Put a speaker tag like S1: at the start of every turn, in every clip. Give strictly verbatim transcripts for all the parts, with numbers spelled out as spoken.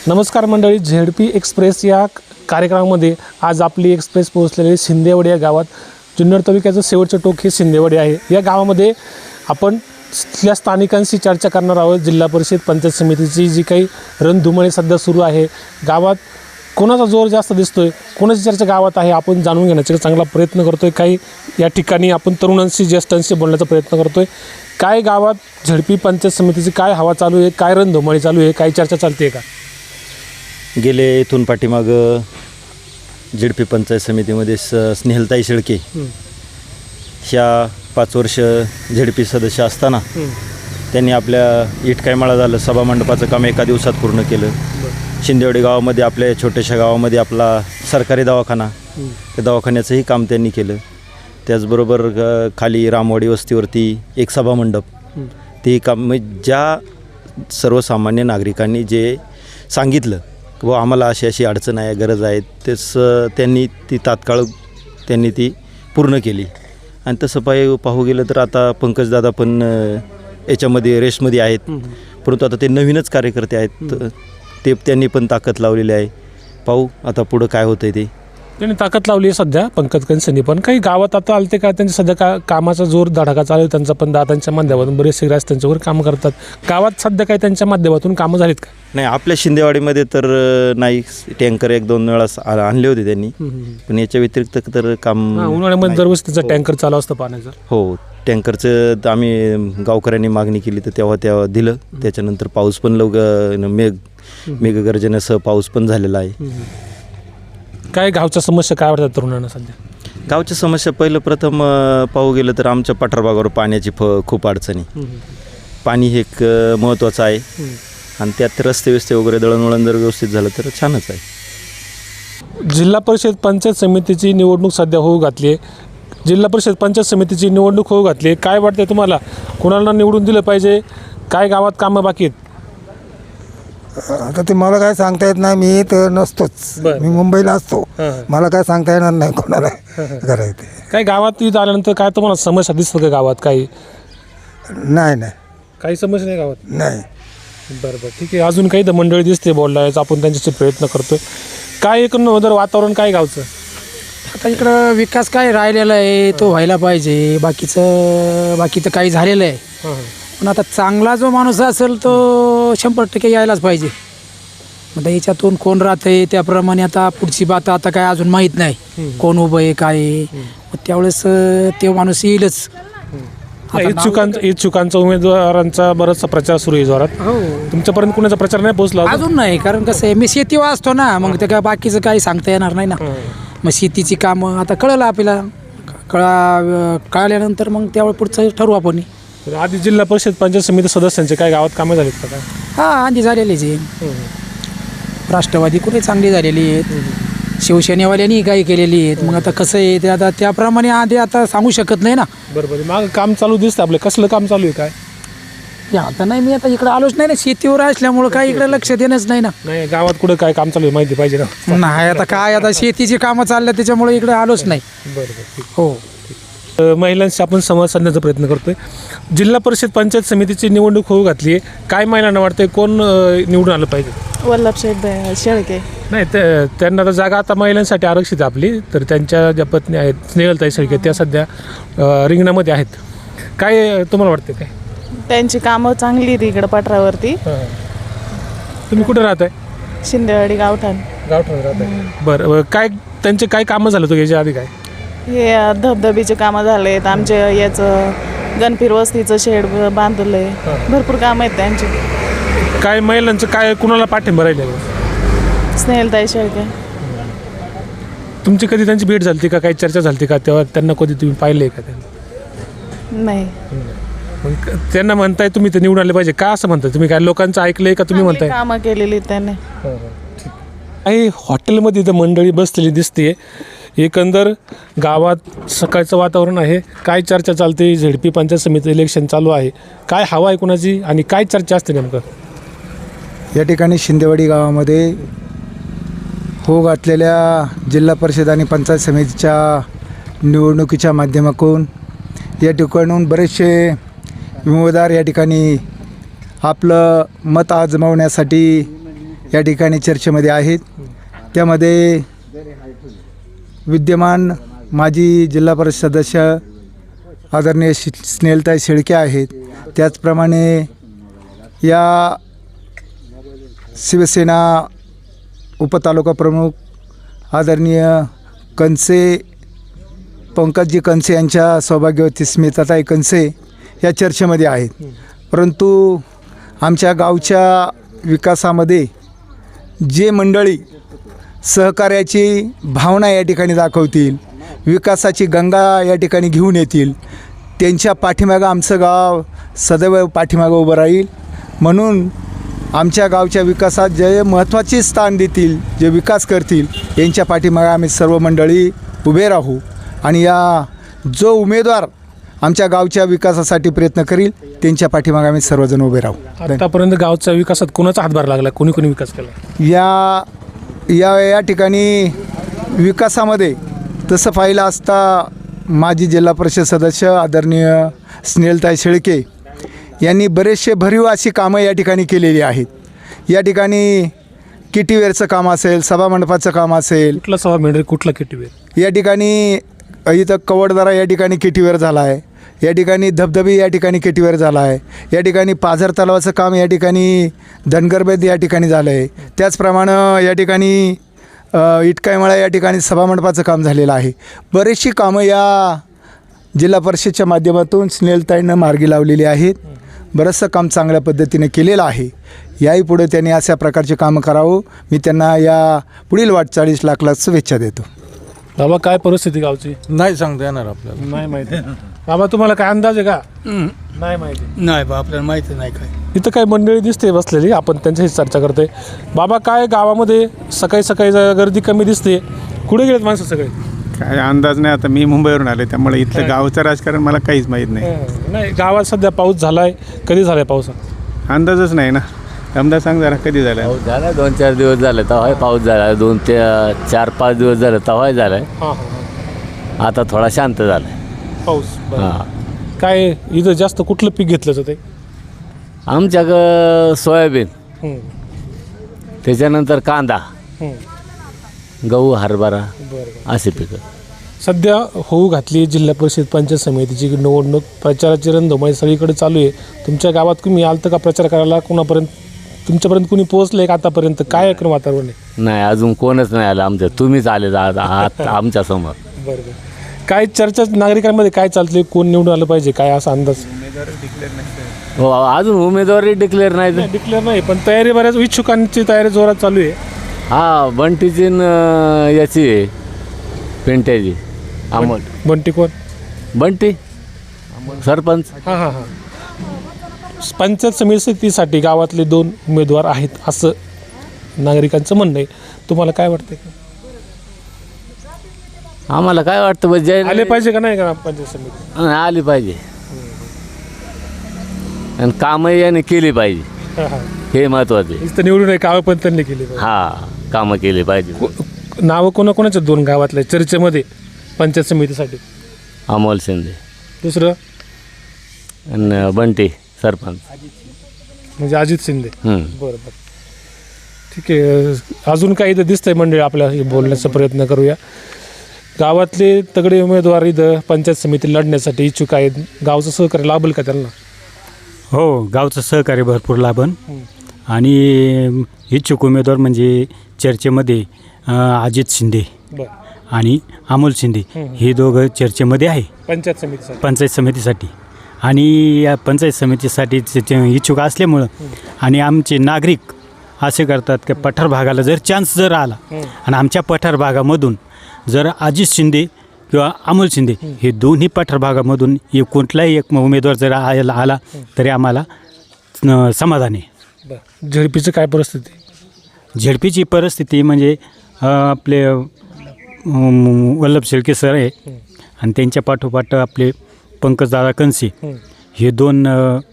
S1: नमस्कार मंडळी, ZP express या कार्यक्रमामध्ये आज आपली एक्सप्रेस पोहोचलेली शिंदेवाडी या गावात जुन्नर तालुक्याचं शेवटचं टोक हे शिंदेवाडी आहे। या गावामध्ये आपण तिथल्या स्थानिकांशी चर्चा करणार आहोत। जिल्हा परिषद पंचायत समितीची जी काही रणधुमाळी सध्या सुरू आहे, गावात कोणाचा जोर जास्त दिसतोय, कोणाची चर्चा गावात आहे, आपण जाणून घेण्याचा चांगला प्रयत्न करतोय। काही या ठिकाणी आपण तरुणांशी ज्येष्ठांशी बोलण्याचा प्रयत्न करतोय। काय गावात झेडपी पंचायत समितीची काय हवा चालू आहे, काय रणधुमाळी चालू आहे, काय चर्चा चालते का?
S2: गेले इथून पाठीमाग झेडपी पंचायत समितीमध्ये स स्नेहलताई शेळके ह्या पाच वर्ष झेडपी सदस्य असताना त्यांनी आपल्या इटकाईमाळा झालं सभामंडपाचं काम एका दिवसात पूर्ण केलं। शिंदेवाडी गावामध्ये आपल्या छोट्याशा गावामध्ये आपला सरकारी दवाखाना, त्या दवाखान्याचंही काम त्यांनी केलं। त्याचबरोबर खाली रामवाडी वस्तीवरती एक सभामंडप, तेही काम ज्या सर्वसामान्य नागरिकांनी जे सांगितलं व आम्हाला अशी अशी अडचण आहे, गरज आहे, तेच त्यांनी ती तात्काळ त्यांनी ती पूर्ण केली। आणि तसं पाय पाहू गेलं तर आता पंकजदादा पण याच्यामध्ये रेसमध्ये आहेत, परंतु आता ते नवीनच कार्यकर्ते आहेत, ते त्यांनी पण ताकद लावलेली आहे। पाहू आता पुढं काय होतं ते।
S1: त्यांनी ताकद लावली आहे सध्या पंकज कंसनी, पण काही गावात आता आलते का त्यांच्या सध्या का कामाचा जोर धडाका चालू आहे त्यांचा, पण दादांच्या माध्यमातून बरेचसे ग्रास त्यांच्यावर कामं करतात। गावात सध्या काही त्यांच्या माध्यमातून कामं झालीत का?
S2: नाही, आपल्या शिंदेवाडीमध्ये तर नाही, टँकर एक दोन वेळा आणले होते त्यांनी, पण याच्या व्यतिरिक्त तर काम
S1: उन्हाळ्यामध्ये दरवर्षी त्याचा टँकर चालू असतं पाण्याचं।
S2: हो, टँकरचं आम्ही गावकऱ्यांनी मागणी केली तर तेव्हा तेव्हा दिलं। त्याच्यानंतर पाऊस पण लवकर मेघ मेघगर्जनेसह पाऊस पण झालेला आहे।
S1: काय गावच्या समस्या काय वाटतात तरुणांना सध्या?
S2: गावच्या समस्या पहिलं प्रथम पाहू गेलं तर आमच्या पठारभागावर पाण्याची फ खूप अडचणी, पाणी हे एक महत्त्वाचं आहे आणि त्यात रस्ते व्यस्ते वगैरे दळणवळण जर व्यवस्थित झालं तर छानच आहे।
S1: जिल्हा परिषद पंचायत समितीची निवडणूक सध्या होऊ घातली आहे। जिल्हा परिषद पंचायत समितीची निवडणूक होऊ घातली आहे, काय वाटते तुम्हाला, कोणाला निवडून दिलं पाहिजे, काय गावात कामं बाकी आहेत?
S3: आता ते मला काय सांगता येत नाही, मी तर नसतोच, मी मुंबईला असतो, मला काय सांगता येणार नाही कोणाला करायचं ते।
S1: काय गावात इथं आल्यानंतर काय तुम्हाला समस्या दिसतं का गावात? काही
S3: नाही नाही
S1: काही समस्या नाही गावात?
S3: नाही।
S1: बरं बरं, ठीक आहे। अजून काही तर मंडळी दिसते बोलायचं, आपण त्यांच्याशी प्रयत्न करतोय। काय एकंदर वातावरण काय गावचं?
S4: आता इकडं विकास काय राहिलेला आहे तो व्हायला पाहिजे, बाकीचं बाकीचं काही झालेलं आहे, पण आता चांगला जो माणूस असेल तो शंभर टक्के यायलाच पाहिजे। मग याच्यातून कोण राहतंय त्याप्रमाणे आता पुढची बात आता काय अजून माहीत नाही, कोण उभं आहे काय आहे, त्यावेळेस ते माणूस येईलच।
S1: इच्छुकांचा इच्छुकांचा उमेदवारांचा बराचसा प्रचार सुरू आहे जोरात।
S4: हो,
S1: तुमच्यापर्यंत कुणाचा प्रचार नाही पोहोचला
S4: अजून नाही, कारण कसं आहे मी शेतीवर असतो ना, मग ते काय बाकीचं काही सांगता येणार नाही ना। मग शेतीची कामं आता कळलं आपल्याला, कळा कळाल्यानंतर मग त्यावेळी पुढचं ठरवू आपण।
S1: आधी जिल्हा परिषद पंचायत समिती सदस्यांचे काय गावात कामं झालीत का? काय
S4: हां, आधी झालेलीच आहे। राष्ट्रवादी कुठे चांगली झालेली आहेत, शिवसेनेवाल्यांनी काही केलेली आहेत, मग आता कसं आहे ते आता त्याप्रमाणे आधी आता सांगू शकत नाही ना।
S1: बरोबर, मग काम चालू दिसतं आपलं, कसलं काम चालू आहे काय?
S4: आता नाही, मी आता इकडे आलोच नाही ना, शेतीवर असल्यामुळं काय इकडे लक्ष देणंच नाही ना।
S1: नाही, गावात कुठं काय काम चालू आहे माहिती पाहिजे ना।
S4: नाही, आता काय आता शेतीची कामं चालल्या त्याच्यामुळे इकडे आलोच नाही।
S1: बरोबर,
S4: हो,
S1: महिलांशी आपण संवाद साधण्याचा प्रयत्न करतोय। जिल्हा परिषद पंचायत समितीची निवडणूक होऊ घातली आहे, काय महिलांना वाटतंय कोण निवडून आलं पाहिजे?
S5: वल्लभसाहेब शेळके।
S1: नाही, ते त्यांना तर जागा आता महिलांसाठी आरक्षित आपली, तर त्यांच्या ज्या पत्नी आहेत स्नेहलताई शेळके त्या सध्या रिंगणामध्ये आहेत। काय तुम्हाला वाटते, काय
S5: त्यांची कामं चांगली आहेत इकडं पठारावरती।
S1: तुम्ही कुठे राहताय?
S5: शिंदेवाडी गावठाण
S1: गावठाण राहताय। बरं, काय त्यांचे काय कामं झालं होतं याच्या आधी? काय
S5: हे धबधबीचे कामं झाले आहेत, आमचे याचं गणपीर वस्तीचं शेड बांधलं आहे, भरपूर कामं आहेत त्यांची।
S1: काय महिलांचं काय कुणाला पाठिंबा राहिले?
S5: स्नेहलताई शेळके।
S1: तुमची कधी त्यांची भेट झाली का, काही चर्चा झाली का, तेव्हा त्यांना कधी तुम्ही पाहिले का? त्यांना
S5: नाही।
S1: मग त्यांना म्हणताय तुम्ही ते निवडून आले पाहिजे का, असं म्हणताय तुम्ही? काय लोकांचं ऐकलंय का तुम्ही म्हणताय?
S5: कामं केलेली त्यांनी।
S1: काही हॉटेलमध्ये इथं मंडळी बसलेली दिसते, एकंदर गावात सकाळचं वातावरण आहे। काय चर्चा चालते? झेडपी पंचायत समिती इलेक्शन चालू आहे, काय हवा आहे कुणाची आणि काय चर्चा असते नेमकं?
S3: या ठिकाणी शिंदेवाडी गावामध्ये हो घातलेल्या जिल्हा परिषद आणि पंचायत समितीच्या निवडणुकीच्या माध्यमातून या ठिकाणून बरेचसे उमेदवार या ठिकाणी आपलं मत आजमावण्यासाठी या ठिकाणी चर्चेमध्ये आहेत. त्यामध्ये विद्यमान माजी जिल्हा परिषद सदस्य आदरणीय शि स्नेहलताई शेळके आहेत. त्याचप्रमाणे या शिवसेना उपतालुका प्रमुख आदरणीय कनसे पंकजजी कनसे यांच्या सौभाग्यवती स्मिताताई कनसे या चर्चेमध्ये आहेत. परंतु आमच्या गावच्या विकासामध्ये जे मंडळी सहकार्याची भावना या ठिकाणी दाखवतील, विकासाची गंगा या ठिकाणी घेऊन येतील, त्यांच्या पाठीमागं आमचं गाव सदैव पाठीमागं उभं राहील. म्हणून आमच्या गावच्या विकासात जे महत्त्वाचे स्थान देतील, जे विकास करतील, यांच्या पाठीमागं आम्ही सर्व मंडळी उभे राहू. आणि या जो उमेदवार आमच्या गावच्या विकासासाठी प्रयत्न करील त्यांच्या पाठीमागे आम्ही सर्वजण उभे राहू.
S1: आतापर्यंत गावच्या विकासात कोणाचा हातभार लागला, कोणी कोणी विकास केला?
S3: या या या ठिकाणी विकासामध्ये तसं पाहिलं असता माजी जिल्हा परिषद सदस्य आदरणीय स्नेहलताई शेळके यांनी बरेचसे भरीव अशी कामं या ठिकाणी केलेली आहेत. या ठिकाणी किटीवेअरचं काम असेल, सभामंडपाचं काम असेल.
S1: कुठला सभा मंडळ, कुठला किटीवेअर?
S3: या ठिकाणी इथं कवडदारा या ठिकाणी किटीवेअर झाला आहे. या ठिकाणी धबधबे या ठिकाणी किटीवेअर झाला आहे. या ठिकाणी पाझर तलावाचं काम या ठिकाणी धनगरबेद या ठिकाणी झालं आहे. त्याचप्रमाणे या ठिकाणी इटकाईमळा या ठिकाणी सभामंडपाचं काम झालेलं आहे. बरीचशी कामं या जिल्हा परिषदच्या माध्यमातून स्नेहलताईंनं मार्गी लावलेली आहेत. बरंचसं काम चांगल्या पद्धतीने केलेलं आहे. याही पुढे त्यांनी अशा प्रकारचे कामं करावं, मी त्यांना या पुढील वाटचाळीस लाख लाख शुभेच्छा देतो.
S1: बाबा, काय परिस्थिती गावची?
S6: नाही सांगता येणार आपल्याला.
S1: नाही माहिती. बाबा, तुम्हाला काय अंदाज आहे का? नाही माहिती.
S6: नाही बा, आपल्याला माहिती नाही काय.
S1: इथं काही मंडळी दिसते बसलेली, आपण त्यांच्याशी चर्चा करतोय. बाबा, काय गावामध्ये सकाळी सकाळी गर्दी कमी दिसते, कुठे गेलेत माणसं सगळे?
S7: काय अंदाज नाही. आता मी मुंबईवरून आले, त्यामुळे इथलं गावचं राजकारण मला काहीच माहीत नाही.
S1: नाही, गावात सध्या पाऊस झालाय. कधी झालाय पाऊस?
S7: अंदाजच नाही ना. आमदार सांग जरा, कधी झाला?
S8: पाऊस झाला दोन चार दिवस झाले तेव्हाही पाऊस झाला. दोन ते चार पाच दिवस झाले तेव्हाही झालाय.
S1: हां हां
S8: आता थोडा शांत झालाय
S1: पाऊस.
S8: हां.
S1: काय इथं जास्त कुठलं पीक घेतलं जातं?
S8: आमच्याकडं सोयाबीन, त्याच्यानंतर कांदा, गहू, हरभरा असे पिकं.
S1: सध्या होऊ घातली जिल्हा परिषद पंचायत समितीची निवडणूक, प्रचाराची रणधुमाळी सगळीकडे चालू आहे. तुमच्या गावात तुम्ही आलतं का प्रचार करायला? कोणापर्यंत तुमच्यापर्यंत कुणी पोहोचलं का आतापर्यंत? काय ऐकून वातावरण आहे?
S8: नाही, अजून कोणच नाही आलं आमच्या. तुम्हीच आले आहात आमच्या समोर.
S1: बरं बरं. काय चर्चा नागरिकांमध्ये काय चालते? कोण निवडून आलं पाहिजे, काय असा अंदाज?
S8: हो, अजून उमेदवारी डिक्लेअर नाही.
S1: डिक्लेअर नाही, पण तयारी बऱ्याच इच्छुकांची तयारी जोरात चालू आहे.
S8: हा, बंटीची न याची आहे, पेंट्याची. अमोल
S1: बंटी कोण?
S8: बंटी सरपंच.
S1: हां हां हां. पंचायत समितीसाठी गावातले दोन उमेदवार आहेत असं नागरिकांचं म्हणणं आहे. तुम्हाला काय वाटतंय?
S8: आम्हाला काय वाटतं बा, जय
S1: आले पाहिजे का नाही का पंचायत समिती?
S8: आली पाहिजे आणि कामं याने केली पाहिजे,
S1: हां हां.
S8: हे महत्वाचे.
S1: इथं निवडून आहे कावं पण त्यांनी केली पाहिजे.
S8: हा, कामं केली पाहिजे.
S1: नावं कोणाकोणाच्या दोन गावातल्या चर्चेमध्ये पंचायत समितीसाठी?
S8: अमोल शिंदे,
S1: दुसरं
S8: आणि बंटी सरपंच.
S1: म्हणजे अजित शिंदे.
S8: हम्म.
S1: बरं बरं, ठीक आहे. अजून काही इथं दिसतंय मंडळी, आपल्या बोलण्याचा प्रयत्न करूया. गावातले तगडे उमेदवार इथं पंचायत समिती लढण्यासाठी इच्छुक आहेत. गावचं सहकार्य लाभेल का त्यांना?
S9: हो, गावचं सहकार्य भरपूर लाभन. आणि इच्छुक उमेदवार म्हणजे चर्चेमध्ये अजित शिंदे
S1: बरं
S9: आणि अमोल शिंदे हे दोघं चर्चेमध्ये आहे
S1: पंचायत समितीसाठी.
S9: पंचायत समितीसाठी. आणि या पंचायत समितीसाठी इच्छुक असल्यामुळं आणि आमचे नागरिक असे करतात की पठार भागाला जर चान्स जर आला आणि आमच्या पठार भागामधून जर अजित शिंदे किंवा अमोल शिंदे हे दोन्ही पठार भागामधून एक कोणताही एक उमेदवार जर आला आला तरी आम्हाला समाधान आहे.
S1: बरं, झेडपीचं काय परिस्थिती?
S9: झेडपीची परिस्थिती म्हणजे आपले वल्लभ शेळके सर आहे आणि त्यांच्या पाठोपाठ आपले पंकजदादा कनसे हे दोन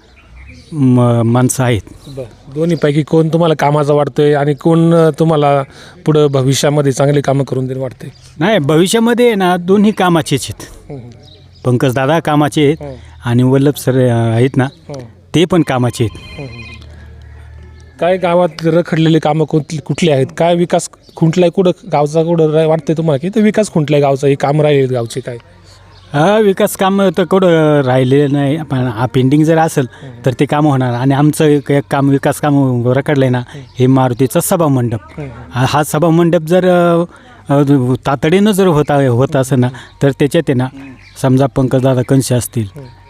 S9: माणसं आहेत.
S1: बरं, दोन्हीपैकी कोण तुम्हाला कामाचा वाटतोय आणि कोण तुम्हाला पुढं भविष्यामध्ये चांगली कामं करून देणं वाटते?
S9: नाही, भविष्यामध्ये ना दोन्ही कामाचेच आहेत. पंकजदादा कामाचे आहेत आणि वल्लभ सर आहेत ना ते पण कामाचे आहेत.
S1: काय गावात रखडलेले कामं कुठली कुठली आहेत, काय विकास खुंटलाय, कुठं गावचा कुठं रा- वाटतंय तुम्हाला की ते विकास खुंटलाय गावचा, हे काम राहिले गावचे काय?
S9: हा विकास कामं तर कुठं राहिलेलं नाही, पण हा पेंडिंग जर असेल तर ते कामं होणार. आणि आमचं एक एक काम विकास काम रखडलं आहे ना, हे मारुतीचा सभामंडप. हा हा सभामंडप जर अ, अ, तातडीनं जर होता होत असेल ना, तर त्याच्यात आहे ना, समजा पंकजदादा कंशे असतील,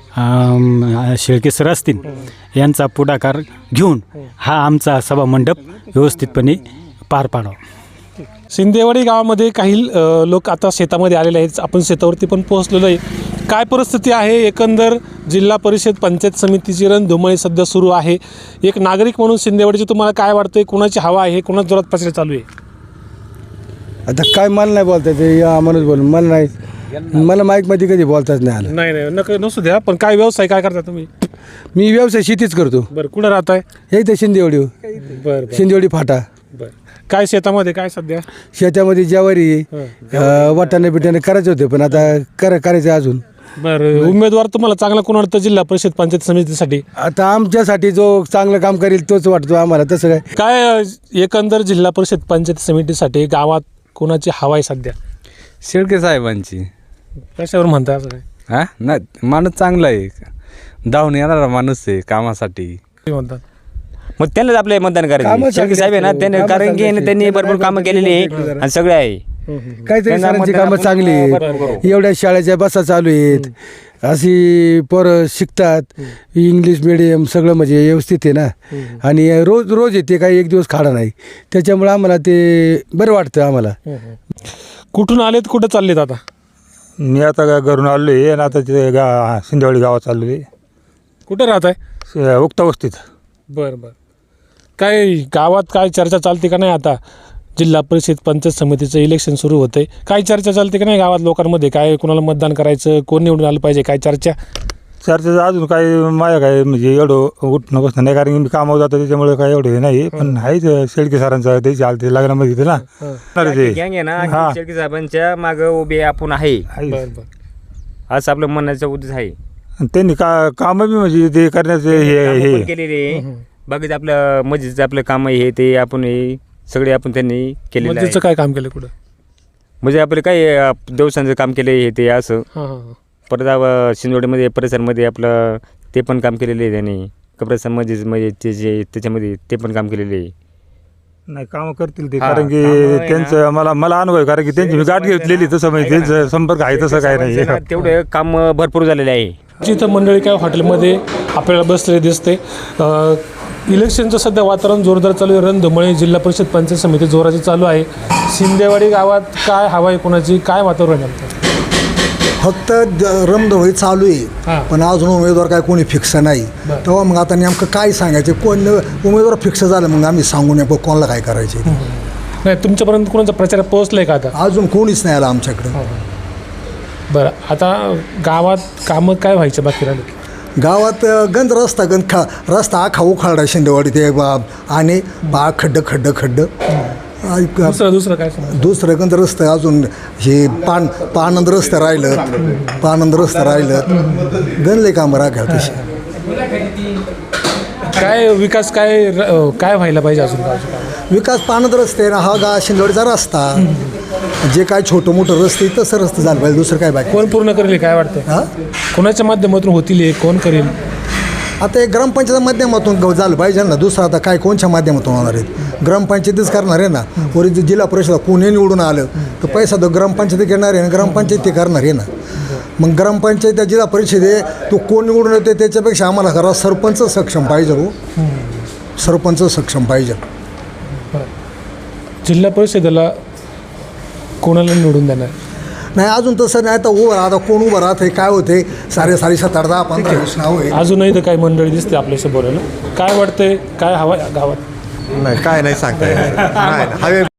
S9: अम, शेळके सर असतील, यांचा पुढाकार घेऊन हा आमचा सभामंडप व्यवस्थितपणे पार पाडावा.
S1: शिंदेवाडी गावामध्ये काही अ, लोक आता शेतामध्ये आलेले आहेत. आपण शेतावरती पण पोहोचलेलो आहे. काय परिस्थिती आहे एकंदर जिल्हा परिषद पंचायत समितीची रणधुमाळी सध्या सुरू आहे. एक नागरिक म्हणून शिंदेवाडीची तुम्हाला काय वाटतंय, कोणाची हवा आहे, कोणाच जोरात प्रचार चालू आहे?
S3: आता काय मला नाही बोलता ते या माणूस बोलून मला नाही, मला माईकमध्ये कधी बोलताच नाही आलं.
S1: नाही नाही नक नसू द्या, पण काय व्यवसाय काय करता तुम्ही?
S3: मी व्यवसाय शेतीच करतो.
S1: बरं, कुठं राहताय?
S3: हे इथे शिंदेवाडी,
S1: बरं बरं
S3: शिंदेवाडी फाटा.
S1: बरं. काय शेतामध्ये काय सध्या?
S3: शेतामध्ये ज्वारी, अं, वाटाणे बिटाणे करायचे होते, पण आता कर करायचे अजून.
S1: बरं, उमेदवार तुम्हाला चांगला कोण वाटतं जिल्हा परिषद पंचायत समितीसाठी?
S3: आता आमच्यासाठी जो चांगलं काम करेल तोच वाटतो आम्हाला. तसं काय
S1: काय अ, एकंदर जिल्हा परिषद पंचायत समितीसाठी गावात कोणाची हवा आहे सध्या?
S6: शेळके साहेबांची.
S1: कशावर म्हणताय असं काय?
S6: हा नाही, माणूस चांगला आहे, धावून येणारा माणूस आहे कामासाठी.
S1: ते म्हणतात
S8: मग त्यांनाच आपले मतदान
S3: कामं
S8: करायचं. शेळके साहेब आहे ना,
S3: चांगली
S8: त्यांनी
S3: आहेत.
S8: कारण की
S3: कामं
S8: त्यांनी भरपूर
S3: चांगली
S8: कामं केलेली आहे आणि सगळे आहे.
S3: काहीतरी
S8: त्यांना
S3: सरांची
S8: मतदान
S3: कामं
S8: आपण
S3: चांगली
S8: बरोबर
S3: आहेत.
S8: करू.
S3: एवढ्या शाळेच्या बसा चालू आहेत, अशी पोरं शिकतात, इंग्लिश मिडियम सगळं म्हणजे व्यवस्थित आहे ना. आणि रोज रोज येते, काही एक दिवस खाडा नाही. त्याच्यामुळं आम्हाला ते बरं वाटतं आम्हाला.
S1: कुठून आलेत, कुठं चाललेत आता?
S10: मी आता गा- घरून आलो आहे आणि आता ते गा शिंदेवाडी गावात चाललो आहे,
S1: कुठं राहत आहे?
S10: उक्ता वस्तीत.
S1: बरं बरं. काय गावात काय चर्चा चालते का नाही? आता जिल्हा परिषद पंचायत समितीचं इलेक्शन सुरू होतंय, काय चर्चा चालते का नाही गावात लोकांमध्ये? काय कोणाला मतदान करायचं, कोण निवडून आलं पाहिजे, काय चर्चा?
S10: चर्चेचं अजून काय माझ्या काय म्हणजे एवढं उठणं बसणं नाही, कारण की मी कामावर जातो त्याच्यामुळे काय एवढं हे नाही. पण आहेच शेळके सरांचं त्याची आलते लग्नामध्ये इथे ना. अरे ते
S8: गँग आहे ना,
S10: हा.
S8: शेळके साहेबांच्या मागं उभे आपण आहे,
S10: आहेच.
S1: बरं बरं.
S8: असं आपलं म्हणण्याचा उद्देश आहे.
S10: आणि त्यांनी का कामं बी म्हणजे ते करण्याचे हे
S8: कामं
S10: हे
S8: पण केलेले आहे. बाकीचं आपलं मस्जिदचं आपलं काम हे ते आपण हे सगळे आपण त्यांनी केलेलं आहे.
S1: मस्जिदचं काय काम केलं कुठं?
S8: म्हणजे आपलं काय अं, देवस्थानचं काम केलं हे ते असं.
S1: हां हां हां.
S8: परत अं, शिंदोडीमध्ये परिसरमध्ये आपलं ते पण काम केलेलं आहे त्यांनी. कब्रस्तान मस्जिद म्हणजे ते जे त्याच्यामध्ये ते पण काम केलेलं आहे.
S10: नाही कामं करतील ते,
S8: हा,
S10: कारण की
S8: कामं आहे ना.
S10: त्यांचं मला मला अनुभव आहे, कारण की त्यांची मी गाठ घेतलेली तसं म्हणजे त्यांचं संपर्क आहे तसं काय नाही.
S8: ना, तेवढं काम भरपूर झालेलं आहे.
S1: जिथं मंडळी काय हॉटेलमध्ये आपल्याला बसलेले दिसते. अ, इलेक्शनचं सध्या वातावरण जोरदार चालू आहे. रणधुमाळी जिल्हा परिषद पंचायत समिती जोराची चालू आहे. शिंदेवाडी गावात काय हवा आहे कोणाची, काय वातावरण आहे?
S11: फक्त रमधवळी चालू
S1: हां.
S11: आहे, पण अजून उमेदवार काय कोणी फिक्स नाही.
S1: बरं.
S11: तेव्हा मग आता नेमकं काय सांगायचं, कोण उमेदवार फिक्स झालं मग आम्ही सांगू नेमकं कोणाला काय करायचे.
S1: नाही, तुमच्यापर्यंत कोणाचा प्रचार पोहोचलाय का आता?
S11: अजून कोणीच नाही आला आमच्याकडं.
S1: बरं, आता गावात कामं काय व्हायचं बाकी राहिले?
S11: गावात गंज रस्ता गंज खा रस्ता आखा उखाडा शिंदेवाडी ते बा आणि बा खड्ड खड्ड खड्ड. ऐक-
S1: दुसरं दुसरं काय सांगा?
S11: दुसरं गंज रस्तं अजून हे पान पानंद रस्तं राहिलं, पानंद रस्तं राहिलं, गणले कामं राख्या तशी.
S1: काय विकास काय र- काय व्हायला पाहिजे अजून गावचं काम?
S11: विकास पानंद रस्ते ना, हा गा शिंदेवाडीचा रस्ता, जे काय छोटं मोठं रस्ते तसं रस्ते झालं पाहिजे, दुसरं काय बाकी.
S1: कोण पूर्ण करेल काय वाटतं?
S11: हां
S1: कोणाच्या माध्यमातून होतील हे? कोण करेल?
S11: आता एक ग्रामपंचायत माध्यमातून ग- झालं पाहिजे ना, दुसरं आता काय कोणच्या माध्यमातून होणार आहेत? ग्रामपंचायतीच करणार आहे ना. वरील जे जिल्हा परिषद कोणी निवडून आलं तर पैसा तो ग्रामपंचायती घेणार आहे ना, ग्रामपंचायत ते करणार आहे ना. मग ग्रामपंचायत त्या जिल्हा परिषद आहे तो कोण निवडून येते त्याच्यापेक्षा आम्हाला करा सरपंच सक्षम पाहिजे. हो, सरपंच सक्षम पाहिजे.
S1: जिल्हा परिषदेला कोणाला निवडून देणार?
S11: नाही अजून तसं नाही. आता उभं आता कोण उभं राहत आहे काय होते, सारे सारे सात आठ दहा पंधरा वीस नाव आहे.
S1: अजूनही तर काही मंडळी दिसते आपल्याशी बोलायला. काय वाटतंय, काय हवा आहे गावात?
S12: नाही काय नाही सांगता येणार. नाही हवे